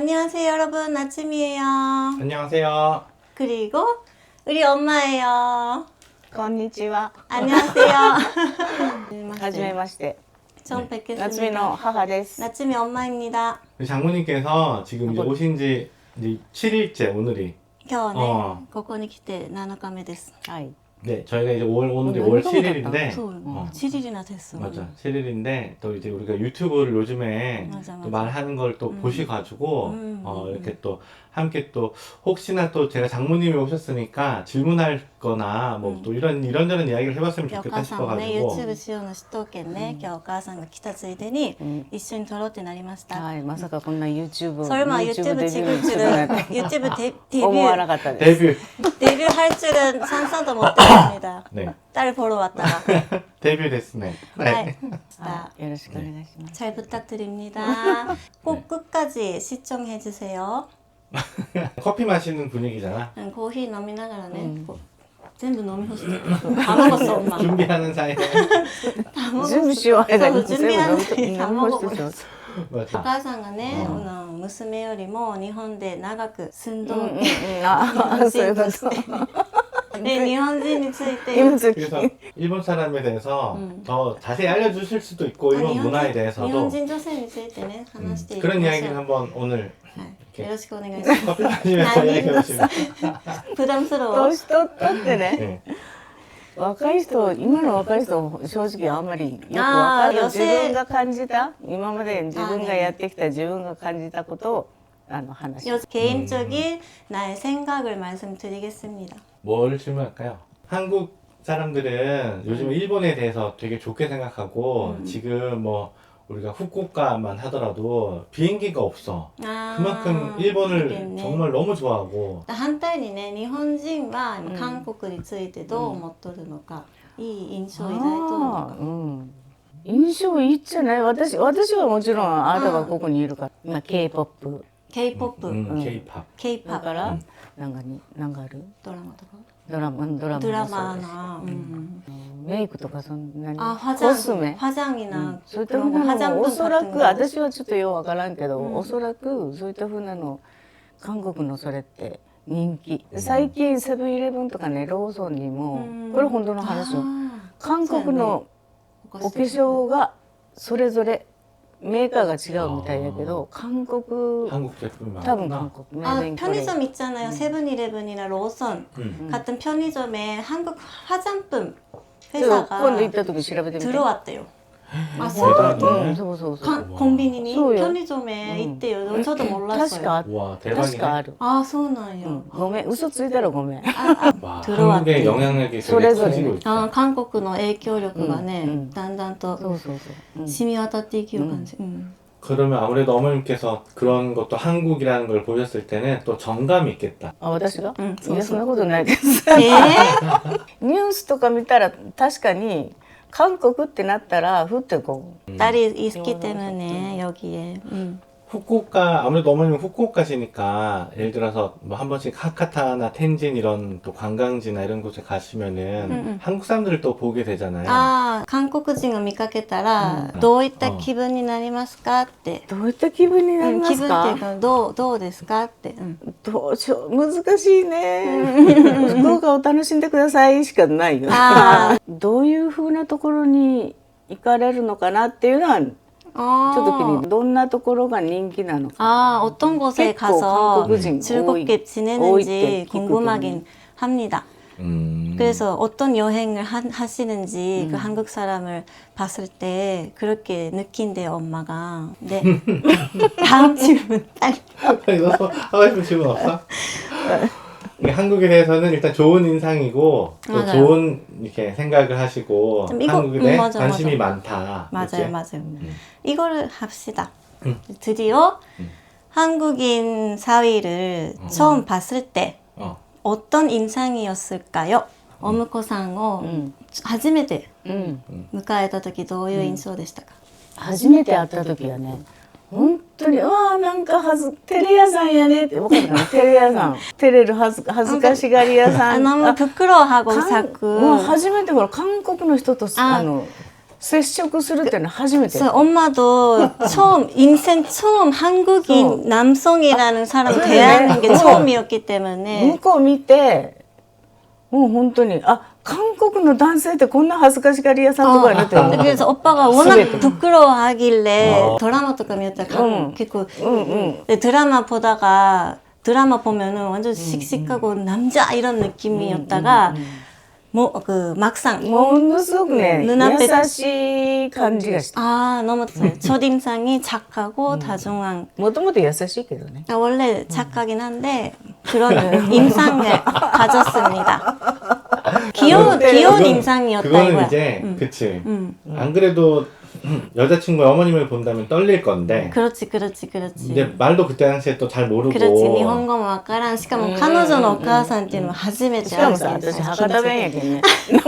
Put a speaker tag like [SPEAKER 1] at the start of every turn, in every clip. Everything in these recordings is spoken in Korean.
[SPEAKER 1] 안녕하세요 여러분, 나츠미예요.
[SPEAKER 2] 안녕하세요.
[SPEAKER 1] 그리고 우리 엄마예요.
[SPEAKER 3] こんにちは。
[SPEAKER 1] 안녕하세요.
[SPEAKER 3] はじめまして。
[SPEAKER 1] 처음
[SPEAKER 3] 夏美
[SPEAKER 1] 뵙겠습니다.
[SPEAKER 3] の母です。
[SPEAKER 1] 나츠미 엄마입니다.
[SPEAKER 2] 장모님께서 지금 이제
[SPEAKER 3] 뭐-
[SPEAKER 2] 오신 지 이제 7일째 오늘이.
[SPEAKER 1] 今日ね、
[SPEAKER 2] こ
[SPEAKER 1] ここに来て7日目です。
[SPEAKER 3] はい。
[SPEAKER 2] 네, 저희가 이제 오늘이
[SPEAKER 3] 어,
[SPEAKER 2] 5월
[SPEAKER 3] 너무
[SPEAKER 2] 7일인데.
[SPEAKER 1] そう、
[SPEAKER 2] 어,
[SPEAKER 1] 7일이나 됐어.
[SPEAKER 2] 맞아. 7일인데 또 이제 우리가 유튜브를 요즘에
[SPEAKER 1] 맞아,
[SPEAKER 2] 또
[SPEAKER 1] 맞아.
[SPEAKER 2] 말하는 걸 또 보시가지고 이렇게
[SPEAKER 1] 음.
[SPEAKER 2] 또 함께 또 혹시나 또 제가 장모님이 오셨으니까 질문할 거나 뭐 또 이런저런 이야기를 해봤으면
[SPEAKER 1] お
[SPEAKER 2] 좋겠다
[SPEAKER 1] 母さんもね、
[SPEAKER 2] 싶어가지고.
[SPEAKER 1] YouTube しようの知っとうけんね、今日お母さんが来たついでに、
[SPEAKER 3] うん
[SPEAKER 1] 一緒に撮ろうってなりました。
[SPEAKER 3] はい。まさかこんな YouTube
[SPEAKER 1] 설마
[SPEAKER 3] YouTube
[SPEAKER 1] 유튜브
[SPEAKER 3] デビュ
[SPEAKER 1] 지금
[SPEAKER 3] ーするなんて
[SPEAKER 1] 유튜브 데뷔
[SPEAKER 3] 思わなかったです。
[SPEAKER 2] 데뷔.
[SPEAKER 1] 데뷔할 줄은 상상도 못했습니다.
[SPEAKER 2] 네.
[SPEAKER 1] 딸 보러 왔다가.
[SPEAKER 2] 데뷔 됐네.
[SPEAKER 1] 네.
[SPEAKER 3] あ、よろしくお願いします。
[SPEAKER 1] 잘 부탁드립니다. 꼭 끝까지 시청해 주세요.
[SPEAKER 2] 커피 마시는 분위기잖아.
[SPEAKER 1] 코피 飲みながらね、全部飲み干して다 먹었어 엄마.
[SPEAKER 2] 준비하는 사이에.
[SPEAKER 1] 다 먹었어.
[SPEAKER 3] 準備しよう間に
[SPEAKER 1] そう準備はね
[SPEAKER 3] 全部飲み干してしまう。
[SPEAKER 1] お
[SPEAKER 2] 맞아.
[SPEAKER 1] 母さんがね、娘よりも日本で長く住んどる
[SPEAKER 3] あ、そういうこと。
[SPEAKER 1] で日本人について
[SPEAKER 3] 今時
[SPEAKER 2] 그래서 일본 사람에 대해서 더 자세히 알려주실 수도 있고 일본 문화에
[SPEAKER 1] 日本
[SPEAKER 2] 대해서도
[SPEAKER 1] 人女性についてね話していきましょう。
[SPEAKER 2] 그런 이야기를 한번 오늘
[SPEAKER 1] はい、よろしくお願いします。
[SPEAKER 2] 커피 마시면서 이야기해 보시면
[SPEAKER 1] 普段スロー。
[SPEAKER 3] 年取ったってね、
[SPEAKER 2] 네.
[SPEAKER 3] 若い人、今の若い人正直あんまりよくわかる。自分が感じた、今まで自分がやってきた自分が感じたことを話す。
[SPEAKER 1] 개인적인 나의 생각을 말씀드리겠습니다.
[SPEAKER 2] 뭘 질문할까요? 한국 사람들은 요즘 일본에 대해서 되게 좋게 생각하고 지금 뭐 우리가 후쿠오카만 하더라도 비행기가 없어.
[SPEAKER 1] 아,
[SPEAKER 2] 그만큼 일본을
[SPEAKER 1] 그러겠네.
[SPEAKER 2] 정말 너무 좋아하고
[SPEAKER 1] 反対にね、日本人は韓国についてどう思っとるのか、いい印象を抱いとるのか。
[SPEAKER 3] あー印象いいじゃない。私はもちろんあなたがここにいるから、今 K-POP
[SPEAKER 1] K-POP、
[SPEAKER 2] K-팝.
[SPEAKER 1] K-POP
[SPEAKER 3] だからなんかある
[SPEAKER 1] ドラマとか。
[SPEAKER 3] ドラマ
[SPEAKER 1] ドラマ
[SPEAKER 3] もそうだし
[SPEAKER 1] な、
[SPEAKER 3] メイクとかそんなに
[SPEAKER 1] あ、
[SPEAKER 3] コスメ
[SPEAKER 1] 화장이나
[SPEAKER 3] そういったふうなのもおそらく私はちょっとようわからんけど、おそらくそういったふうなの韓国のそれって人気、最近セブンイレブンとかねローソンにも、これ本当の話よ、韓国のお化粧がそれぞれメーカーが違うみたいやけど、韓国
[SPEAKER 2] 한국 제품이
[SPEAKER 3] 多分
[SPEAKER 2] 많구나.
[SPEAKER 3] 韓国
[SPEAKER 1] 아,
[SPEAKER 3] 메이드 인
[SPEAKER 1] 편의점 있잖아요. 세븐일레븐이나 로선 같은 편의점에 한국 화장품
[SPEAKER 3] 今
[SPEAKER 1] 회사가
[SPEAKER 3] 度行った時調べてみて
[SPEAKER 1] 들어왔대요. 아,
[SPEAKER 2] 대박이네.
[SPEAKER 3] そうそうそう
[SPEAKER 1] 콤비니니
[SPEAKER 3] 소요.
[SPEAKER 1] 편의점에 있대요. 저도
[SPEAKER 3] 確
[SPEAKER 1] 몰랐어요.
[SPEAKER 3] か
[SPEAKER 2] 와
[SPEAKER 3] 確か
[SPEAKER 2] 대박이네.
[SPEAKER 3] ある、
[SPEAKER 1] 아, 소나요.
[SPEAKER 3] ごめん嘘ついたらごめん
[SPEAKER 2] 와,
[SPEAKER 1] 들어왔대.
[SPEAKER 2] 한국의 영향력이 되게
[SPEAKER 3] 소래소래.
[SPEAKER 2] 커지고 있어.
[SPEAKER 1] 아, 한국의 影響力がね、だんだんと
[SPEAKER 3] そうそうそう、
[SPEAKER 1] 染み渡っていくような感じ。
[SPEAKER 2] 그러면 아무래도 어머님께서 그런 것도 한국이라는 걸 보셨을 때는 또 정감이 있겠다.
[SPEAKER 3] あ、私が、
[SPEAKER 1] そうそう
[SPEAKER 3] いやそんなことないです
[SPEAKER 1] え
[SPEAKER 3] ニュースとか見たら確かに韓国ってなったらふってこう、
[SPEAKER 1] 딸이 있기 때문에 여기에.
[SPEAKER 2] 후쿠오카 아무래도 어머님은 후쿠오카시니까 예를 들어서 뭐 한 번씩 하카타나 텐진 이런 또 관광지나 이런 곳에 가시면은 한국 사람들을 또 보게 되잖아요.
[SPEAKER 1] ああ、韓国人を見かけたら、どういった気分になりますかって。
[SPEAKER 3] どういった気分になりま
[SPEAKER 1] 気
[SPEAKER 3] すか、
[SPEAKER 1] 分っていうか、どうですかって。
[SPEAKER 3] どうしよう難しいね福岡を楽しんでくださいしかないよ
[SPEAKER 1] あ
[SPEAKER 3] どういう風なところに行かれるのかなっていうのはちょっと気にどんなところが人気なのか
[SPEAKER 1] 아, 어떤 곳에
[SPEAKER 3] 結構
[SPEAKER 1] 가서
[SPEAKER 3] 한국인
[SPEAKER 1] 즐겁게 지내는지 궁금하긴 합니다. 그래서 어떤 여행을 하시는지 그 한국 사람을 봤을 때 그렇게 느낀대요, 엄마가. 네. 다음 질문.
[SPEAKER 2] 빨리 너도 하고 싶은 질문 없어? 이게 한국에 대해서는 일단 좋은 인상이고 또
[SPEAKER 1] 맞아요.
[SPEAKER 2] 좋은 이렇게 생각을 하시고
[SPEAKER 1] 좀 이거-
[SPEAKER 2] 한국에 대해
[SPEAKER 1] 맞아,
[SPEAKER 2] 관심이
[SPEAKER 1] 맞아.
[SPEAKER 2] 많다.
[SPEAKER 1] 맞아요,
[SPEAKER 2] 그치?
[SPEAKER 1] 맞아요. 이거를 합시다. 드디어 한국인 사위를 처음 봤을 때
[SPEAKER 2] 어.
[SPEAKER 1] 어떤 인상이었을까요? 어묵코さんを初めて
[SPEAKER 3] うん
[SPEAKER 1] 迎えた時どういう印象でしたか？
[SPEAKER 3] 初めて会った時はね本当になんかテレ屋さんやねって分かるかなテレ屋さん照れる恥ずかしがり屋さん
[SPEAKER 1] 너무 부끄러워하고
[SPEAKER 3] もう
[SPEAKER 1] 자꾸
[SPEAKER 3] 初めてほら韓国の人と
[SPEAKER 1] あ
[SPEAKER 3] 接触するっていうのは初めて。
[SPEAKER 1] 그래서 엄마도 처음 인생 처음 한국인 남성이라는 사람
[SPEAKER 3] 그래.
[SPEAKER 1] 대하는 게
[SPEAKER 3] 어.
[SPEAKER 1] 처음이었기 때문에
[SPEAKER 3] 向こう見てもう本当に韓国の男性ってこんな恥ずかしがり屋さんとかいるって思う。
[SPEAKER 1] 그래서 오빠가 워낙 부끄러워하길래 드라마とか見たら
[SPEAKER 3] 응.
[SPEAKER 1] 結構
[SPEAKER 3] 응.
[SPEAKER 1] 드라마 보다가 드라마 보면은 완전 씩씩하고 남자 이런 느낌이었다가 뭐 그 막상
[SPEAKER 3] ものすごくね
[SPEAKER 1] 눈앞에
[SPEAKER 3] 優しい感じがした。
[SPEAKER 1] 아 너무 첫인상이 착하고 다정한
[SPEAKER 3] もともと優しいけどね。
[SPEAKER 1] 원래 착하긴 한데 그런 인상을 가졌습니다. 귀여운 인상이었다
[SPEAKER 2] 그거는
[SPEAKER 1] 이거야.
[SPEAKER 2] 이제 그치.
[SPEAKER 1] 응.
[SPEAKER 2] 안 그래도 여자친구 어머님을 본다면 떨릴 건데
[SPEAKER 1] 그렇지.
[SPEAKER 2] 이제 말도 그때 당시에 또 잘 모르고
[SPEAKER 1] 그렇지. 일본어もわからん. しかも彼女のお母さんっていうのは初めて
[SPEAKER 3] しかもさ
[SPEAKER 1] 会う
[SPEAKER 3] 私博多弁やけんね。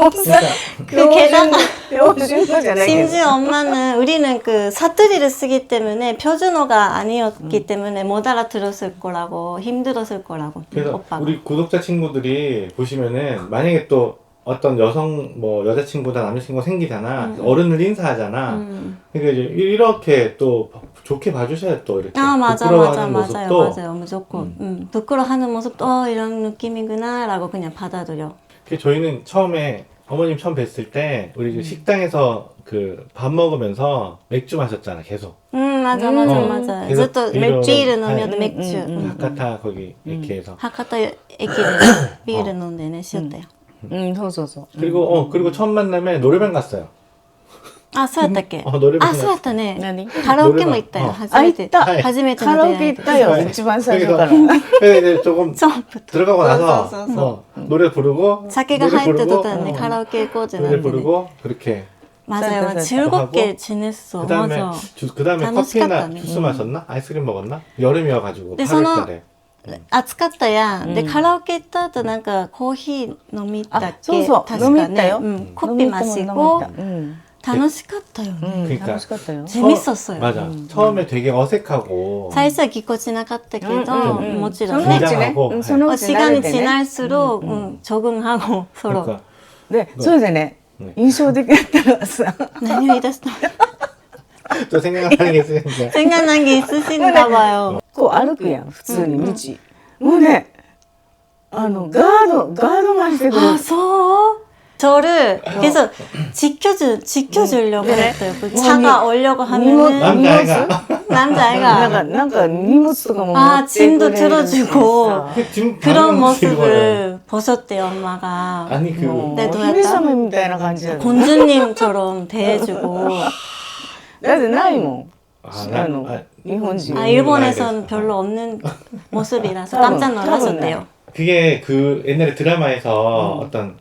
[SPEAKER 1] 그 게다가
[SPEAKER 3] 標準語じゃないけど。
[SPEAKER 1] 심지어 엄마는 우리는 그 사투리를 쓰기 때문에 표준어가 아니었기 때문에 못 알아들었을 거라고 힘들었을 거라고
[SPEAKER 2] 그래서
[SPEAKER 1] 오빠가.
[SPEAKER 2] 우리 구독자 친구들이 보시면은 만약에 또 어떤 여성 뭐 여자친구나 남자친구가 생기잖아. 어른을 인사하잖아. 그러니까 이제 이렇게 또 좋게 봐주셔야 또 이렇게
[SPEAKER 1] 아 맞아
[SPEAKER 2] 부끄러워하는
[SPEAKER 1] 맞아요
[SPEAKER 2] 모습도
[SPEAKER 1] 맞아요 무조건 부끄러워하는 모습도 이런 느낌이구나 라고 그냥 받아들여.
[SPEAKER 2] 그 저희는 처음에 어머님 처음 뵀을 때 우리 그 식당에서 그 밥 먹으면서 맥주 마셨잖아 계속.
[SPEAKER 1] 맞아
[SPEAKER 2] 그래서
[SPEAKER 1] ずっと
[SPEAKER 2] 이런-
[SPEAKER 1] 비를飲みよって
[SPEAKER 2] 네.
[SPEAKER 1] 맥주
[SPEAKER 2] 바카타 거기 이렇게 해서
[SPEAKER 1] 하카타駅でビール飲んでねしよったよ。
[SPEAKER 3] そうそうそう。
[SPEAKER 2] 그리고 처음 만남에 노래방 갔어요.
[SPEAKER 1] あ、そうやったっけ？
[SPEAKER 2] 노래방
[SPEAKER 1] あ、そうやったね。
[SPEAKER 3] 何？
[SPEAKER 1] カラオケも行ったよ。初めて。
[SPEAKER 3] あ、行った。
[SPEAKER 1] 初めて
[SPEAKER 3] カラオ
[SPEAKER 1] の出会い
[SPEAKER 3] ケ行ったよ。一番最初から。
[SPEAKER 2] 그래서 이제 조금
[SPEAKER 1] 처음부터.
[SPEAKER 2] 들어가고 나서
[SPEAKER 1] 써.
[SPEAKER 2] 노래 부르고
[SPEAKER 1] 자기가
[SPEAKER 2] 노래
[SPEAKER 1] 하이트
[SPEAKER 2] 부르고,
[SPEAKER 1] 뒀다는데 카라오케 꼬지
[SPEAKER 2] 노래 부르고 그렇게
[SPEAKER 1] 맞아요.
[SPEAKER 3] 쌀
[SPEAKER 1] 즐겁게 지냈어.
[SPEAKER 2] 그다음에
[SPEAKER 1] 맞아.
[SPEAKER 2] 그다음에 커피나
[SPEAKER 1] 楽しかったね.
[SPEAKER 2] 주스 마셨나? 아이스크림 먹었나? 여름이어가지고
[SPEAKER 1] 근데
[SPEAKER 2] 8월달에
[SPEAKER 1] 暑かったやん。で、カラオケ行った後なんかコーヒー飲みたっけ？
[SPEAKER 3] そうそう
[SPEAKER 1] 確か
[SPEAKER 3] 飲み行ったよ
[SPEAKER 1] ね。コピーマシ고楽しかったよね。
[SPEAKER 2] 그러니까
[SPEAKER 3] 楽しかったよ。
[SPEAKER 1] 재밌었어요.
[SPEAKER 2] 맞아. 처음에 되게 어색하고
[SPEAKER 1] 最初はぎこちなかったけど、もちろん
[SPEAKER 3] そのう
[SPEAKER 1] ね。
[SPEAKER 3] ちね、
[SPEAKER 2] 긴장하고
[SPEAKER 3] そのうち慣れ
[SPEAKER 1] 시간이
[SPEAKER 3] てね。
[SPEAKER 1] 지날수록 적응하고 서로
[SPEAKER 2] 그러니까
[SPEAKER 3] で、それでね、印象的だったのはさ、
[SPEAKER 1] 何を言い出したの
[SPEAKER 2] 또 생각나는 게 있으니까
[SPEAKER 1] 생각난 게 있으신가 봐요.
[SPEAKER 3] こう歩くやん、普通に道。もうね、ガードがしてくれ
[SPEAKER 1] 아,
[SPEAKER 3] る。
[SPEAKER 1] 서 저를 계속 지켜주려고 했어요. 그 차가 오려고 하면은
[SPEAKER 2] 남자애가
[SPEAKER 1] 남자애가
[SPEAKER 3] なんか荷物とかも持
[SPEAKER 1] 아
[SPEAKER 3] ってくれ
[SPEAKER 1] 짐도
[SPEAKER 3] るし
[SPEAKER 1] 들어주고
[SPEAKER 3] さ
[SPEAKER 2] 지금
[SPEAKER 1] 그런
[SPEAKER 2] 방금 지금
[SPEAKER 1] 모습을 보셨대요 엄마가.
[SPEAKER 2] 아니 그
[SPEAKER 3] もう
[SPEAKER 1] 네,
[SPEAKER 3] 姫様みたいな感じだよ。
[SPEAKER 1] 공주님처럼 대해주고.
[SPEAKER 3] だってないもん。
[SPEAKER 2] 아,
[SPEAKER 3] 日本人。
[SPEAKER 1] 아 일본에서는 별로 없는 모습이라서 깜짝 놀라셨대요.
[SPEAKER 2] 그게 그 옛날에 드라마에서 어떤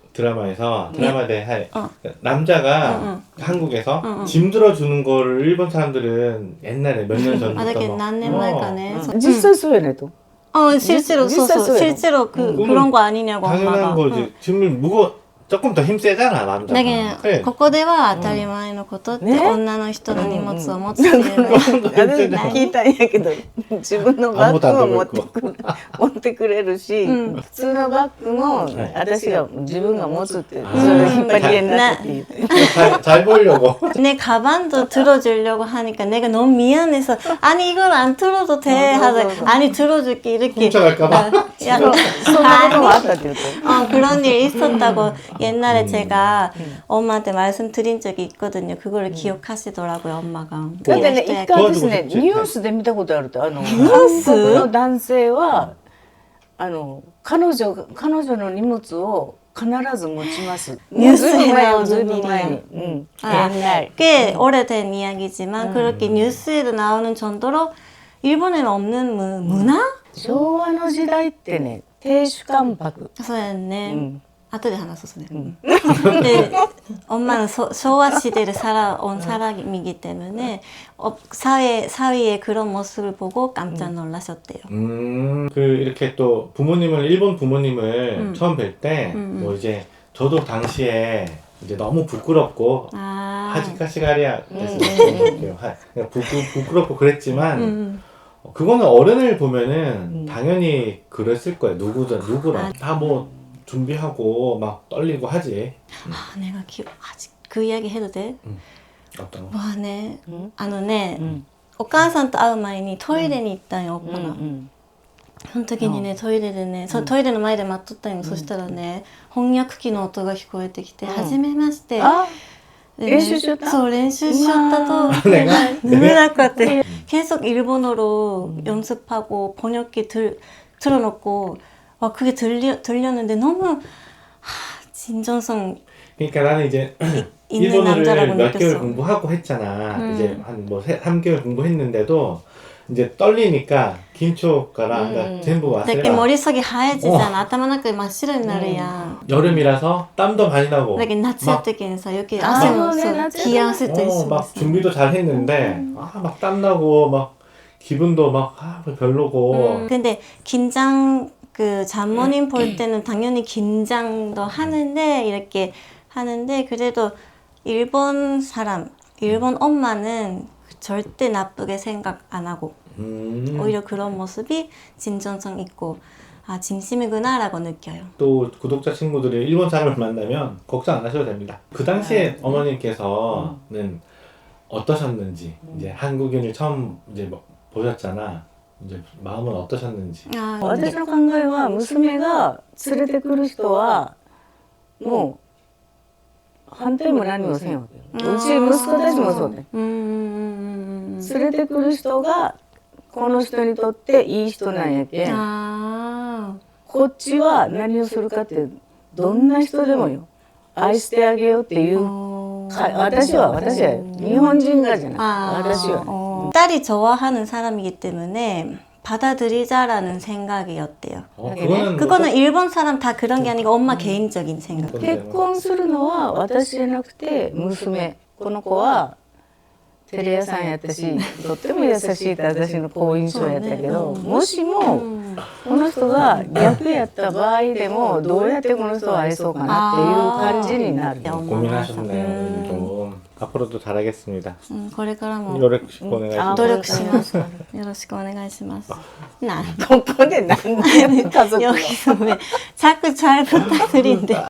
[SPEAKER 2] 드라마대 할 남자가 한국에서 짐 들어주는 거를 일본 사람들은 옛날에 몇 년 전부터
[SPEAKER 1] 아, 되게 난년 만에.
[SPEAKER 3] 実際そうやねと。
[SPEAKER 1] 실제로
[SPEAKER 3] 実際そうやろ。
[SPEAKER 1] 실제로 그런 거 아니냐고
[SPEAKER 2] 당연한
[SPEAKER 1] 엄마가.
[SPEAKER 2] 거지. 짐을 조금 더 힘 세잖아 남자가.
[SPEAKER 1] だけど、
[SPEAKER 2] 그래.
[SPEAKER 1] ここでは当たり前のことって、
[SPEAKER 3] ね
[SPEAKER 1] 女の人の荷物を持つっていうのは、
[SPEAKER 3] 私聞いたんやけど、自分のバッグを持ってくれるし、普通のバッグも私が自分が持つってそれ引っ張り合いになってって言って。
[SPEAKER 2] 잘 보이려고.
[SPEAKER 1] 내 가방도 들어주려고 하니까 내가 너무 미안해서 아니 이걸 안 들어도 돼 하다 아니 들어줄게 이렇게
[SPEAKER 2] 훔쳐갈까 봐.
[SPEAKER 1] 야,
[SPEAKER 3] そんなこともあったって言うと。
[SPEAKER 1] 그런 일 있었다고 옛날에 제가 엄마한테 말씀드린 적이 있거든요. 그거를 기억하시더라고요 엄마가.
[SPEAKER 3] だってね、一回私ね、
[SPEAKER 2] どう
[SPEAKER 3] ニュースで見たことあると、韓国の男性は、彼女の荷物を必ず持ちます。
[SPEAKER 1] 뉴스에
[SPEAKER 3] ずい
[SPEAKER 1] 나오는
[SPEAKER 3] ぶん前に。
[SPEAKER 1] 일이네요.
[SPEAKER 3] うん。 옛날.
[SPEAKER 1] 꽤 오래된 이야기지만 그렇게 뉴스에도 나오는 정도로 일본에는 없는 문화?
[SPEAKER 3] 昭和の時代ってね、亭主関白。
[SPEAKER 1] 소였네.後で話そうね. 근데 엄마는 소와 시대를 살아온 사람이기 때문에 사회의 그런 모습을 보고 깜짝 놀라셨대요.
[SPEAKER 2] 그 이렇게 또 일본 부모님을 처음 뵐 때 뭐 이제 저도 당시에 이제 너무 부끄럽고 하지카시가리야 부끄럽고 그랬지만 그거는 어른을 보면은 당연히 그랬을 거예요. 누구랑 다 뭐 준비하고 막 떨리고 하지.
[SPEAKER 1] 내가 아직도 그 이야기 해도 돼?
[SPEAKER 2] 어떤 거?
[SPEAKER 1] 와ね
[SPEAKER 3] 응?
[SPEAKER 1] あのね お
[SPEAKER 3] 응.
[SPEAKER 1] 母さんと会う前にトイレに行ったんよ、おっぱが。
[SPEAKER 3] 응.
[SPEAKER 1] その時にね、トイレでね、トイレの前で待っとったんよ。そしたらね、翻訳機の音が聞こえてきて、はじめまして。
[SPEAKER 3] 아,
[SPEAKER 1] でね
[SPEAKER 3] 練習しよった
[SPEAKER 1] そう、練習しよったと。
[SPEAKER 2] 내가
[SPEAKER 1] 눈을 고 계속 일본어로 연습하고 번역기 틀어놓고 와 그게 들렸는데 너무 진정성
[SPEAKER 2] 그러니까 나는 이제
[SPEAKER 1] 있는
[SPEAKER 2] 일본어를
[SPEAKER 1] 남자라고
[SPEAKER 2] 몇 개월
[SPEAKER 1] 느꼈어.
[SPEAKER 2] 공부하고 했잖아. 이제 한 뭐 3개월 공부했는데도 이제 떨리니까 긴초가라 그러니까 전부
[SPEAKER 1] だけ
[SPEAKER 2] 왔어요.
[SPEAKER 1] 머릿속이 하얘지잖아. 頭の中真っ白になるやん。
[SPEAKER 2] 여름이라서 땀도 많이 나고
[SPEAKER 1] だけど夏やったけんさ、余計
[SPEAKER 3] あ
[SPEAKER 1] 汗も
[SPEAKER 3] そうね
[SPEAKER 1] そう
[SPEAKER 3] 夏やった
[SPEAKER 1] 冷や汗と一緒に
[SPEAKER 2] 막
[SPEAKER 1] さ。
[SPEAKER 2] 준비도 잘 했는데 막 땀나고 막 기분도 막 별로고
[SPEAKER 1] 근데 긴장 그 장모님 볼 때는 당연히 긴장도 하는데 이렇게 하는데 그래도 일본 사람, 일본 엄마는 절대 나쁘게 생각 안 하고 오히려 그런 모습이 진정성 있고 아 진심이구나라고 느껴요.
[SPEAKER 2] 또 구독자 친구들이 일본 사람을 만나면 걱정 안 하셔도 됩니다. 그 당시에 어머님께서는 어떠셨는지 이제 한국인을 처음 이제 뭐 보셨잖아. 이제 마음은 어떠셨는지.
[SPEAKER 1] 아,
[SPEAKER 3] 私の考えは娘が連れてくる人はもう反対も何もせんわけよ。うち息子たちもそうで、連れてくる人がこの人にとっていい人なんやけん、
[SPEAKER 1] 아,
[SPEAKER 3] こっちは何をするかってどんな人でもよ愛してあげようっていう私は日本人がじゃない、
[SPEAKER 1] 아,
[SPEAKER 3] 私はね、
[SPEAKER 1] 딸이 좋아하는 사람이기 때문에 받아들이자라는 생각이었대요. 그거는 일본 사람 다 그런 게 아니고 엄마 개인적인 생각.
[SPEAKER 3] 結婚するのは私じゃなくて娘、この子はテレ屋さんやったしとっても優しいって私の好印象やったけど、もしもこの人が逆やった場合でもどうやってこの人を愛そうかなっていう感じになる。
[SPEAKER 2] 고민하셨네요. 좀. 앞으로도 잘하겠습니다.
[SPEAKER 1] これからも
[SPEAKER 2] 노력 보내가지고.
[SPEAKER 1] 努力します。よろしくお願いします。な
[SPEAKER 3] ここで何で家族
[SPEAKER 1] 여기서 왜 자꾸 잘 부탁드린데.